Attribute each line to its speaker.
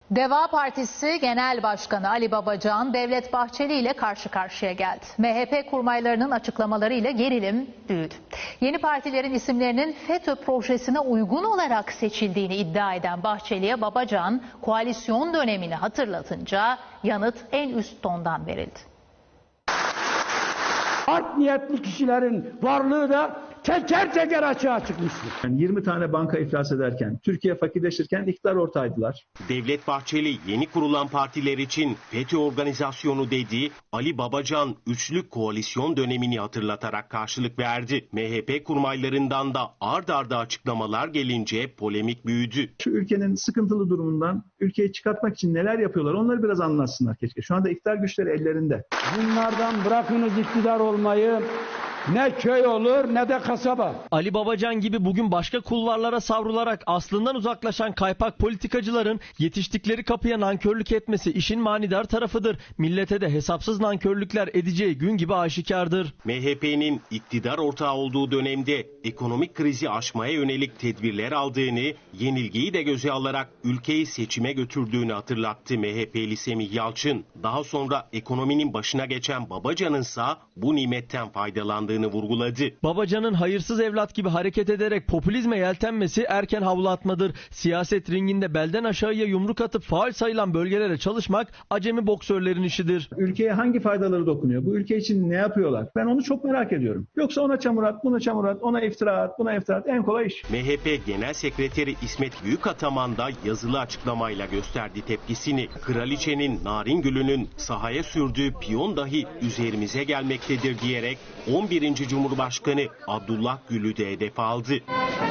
Speaker 1: Deva Partisi Genel Başkanı Ali Babacan, Devlet Bahçeli ile karşı karşıya geldi. MHP kurmaylarının açıklamalarıyla gerilim büyüdü. Yeni partilerin isimlerinin FETÖ projesine uygun olarak seçildiğini iddia eden Bahçeli'ye Babacan, koalisyon dönemini hatırlatınca yanıt en üst tondan verildi.
Speaker 2: Art niyetli kişilerin varlığı da teker teker açığa çıkmıştır.
Speaker 3: Yani 20 tane banka iflas ederken, Türkiye fakirleşirken iktidar ortağıydılar.
Speaker 4: Devlet Bahçeli yeni kurulan partiler için FETÖ organizasyonu dediği Ali Babacan üçlü koalisyon dönemini hatırlatarak karşılık verdi. MHP kurmaylarından da ard arda açıklamalar gelince polemik büyüdü.
Speaker 3: Şu ülkenin sıkıntılı durumundan ülkeyi çıkartmak için neler yapıyorlar onları biraz anlatsınlar keşke. Şu anda iktidar güçleri ellerinde.
Speaker 2: Bunlardan bırakınız iktidar olmayı. Ne köy olur ne de kasaba.
Speaker 5: Ali Babacan gibi bugün başka kulvarlara savrularak aslından uzaklaşan kaypak politikacıların yetiştikleri kapıya nankörlük etmesi işin manidar tarafıdır. Millete de hesapsız nankörlükler edeceği gün gibi aşikardır.
Speaker 4: MHP'nin iktidar ortağı olduğu dönemde ekonomik krizi aşmaya yönelik tedbirler aldığını, yenilgiyi de göze alarak ülkeyi seçime götürdüğünü hatırlattı MHP'li Semih Yalçın. Daha sonra ekonominin başına geçen Babacan'ınsa bu nimetten faydalandığını vurguladı.
Speaker 5: Babacan'ın hayırsız evlat gibi hareket ederek popülizme yeltenmesi erken havlatmadır. Siyaset ringinde belden aşağıya yumruk atıp faul sayılan bölgelere çalışmak acemi boksörlerin işidir.
Speaker 3: Ülkeye hangi faydaları dokunuyor? Bu ülke için ne yapıyorlar? Ben onu çok merak ediyorum. Yoksa ona çamur at, buna çamur at, ona iftira at, buna iftira at. En kolay iş.
Speaker 4: MHP Genel Sekreteri İsmet Büyükataman da yazılı açıklamayla gösterdi tepkisini. Kraliçenin Naringül'ünün sahaya sürdüğü piyon dahi üzerimize gelmektedir diyerek 11. Cumhurbaşkanı Abdullah Gül'ü de hedef aldı.